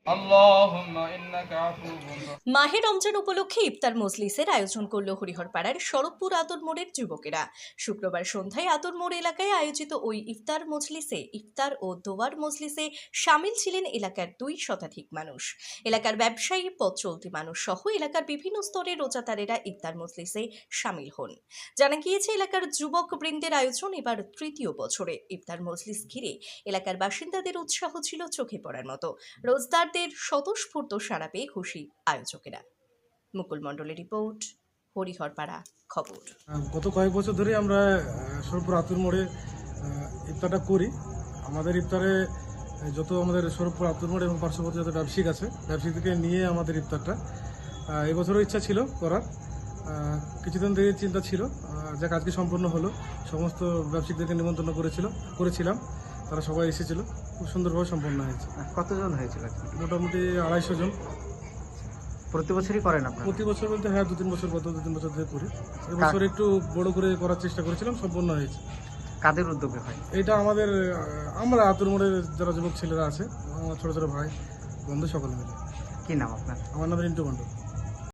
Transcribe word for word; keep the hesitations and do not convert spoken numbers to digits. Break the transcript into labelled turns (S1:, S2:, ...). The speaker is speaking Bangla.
S1: মাহে রমজান উপলক্ষে ইফতার মজলিসের আয়োজন করল হরিহরপাড়ার শরৎপুর আতর মোড়ের যুবকেরা। শুক্রবার সন্ধ্যায় আতর মোড় এলাকায় আয়োজিত ওই ইফতার মজলিসে ইফতার ও দোয়ার মজলিসে শামিল ছিলেন এলাকার দুই শতাধিক মানুষ। এলাকার ব্যবসায়ী, পথ চলতি মানুষ সহ এলাকার বিভিন্ন স্তরের রোজাদারেরা ইফতার মজলিসে শামিল হন। জানা গিয়েছে, এলাকার যুবক বৃন্দের আয়োজন এবার তৃতীয় বছরে। ইফতার মজলিস ঘিরে এলাকার বাসিন্দাদের উৎসাহ ছিল চোখে পড়ার মতো। রোজদারদের স্বতঃস্ফূর্ত সাড়া পেয়ে খুশি আয়োজকেরা। মুকুল মণ্ডলের রিপোর্ট, হরিহরপাড়া খবর।
S2: গত কয়েক বছর ধরে আমরা শরৎপুর আতুর মোড়ে ইফতারটা করি। আমাদের ইফতারে যত আমাদের শরৎপুর আতুর মোড় এবং পার্শ্ববর্তী যত ব্যবসায়িক আছে, ব্যবসায়ীদেরকে নিয়ে আমাদের ইফতারটা এবছরও ইচ্ছা ছিল করার। কিছুদিন থেকে চিন্তা ছিল, যাক আজকে সম্পূর্ণ হলো। সমস্ত ব্যবসায়ীদেরকে নিমন্ত্রণ করেছিল করেছিলাম তারা সবাই এসেছিল, খুব সুন্দরভাবে সম্পন্ন হয়েছে।
S3: কতজন হয়েছিল?
S2: মোটামুটি আড়াইশো জন।
S3: প্রতি বছরই করেন আপনারা?
S2: প্রতি বছর বলতে হ্যাঁ, দু তিন বছর গত দু তিন বছর ধরে করি। এবছর একটু বড় করে করার চেষ্টা করেছিলাম, সম্পূর্ণ হয়েছে।
S3: কাদের উদ্যোগে হয়
S2: এটা? আমাদের আমরা আতুর মোড়ের যারা যুবক ছেলেরা আছে, আমার ছোট ছোট ভাই বন্ধু সকলে মিলে।
S3: কি নাম আপনার?
S2: আমার নাম রিন্টু মণ্ডল।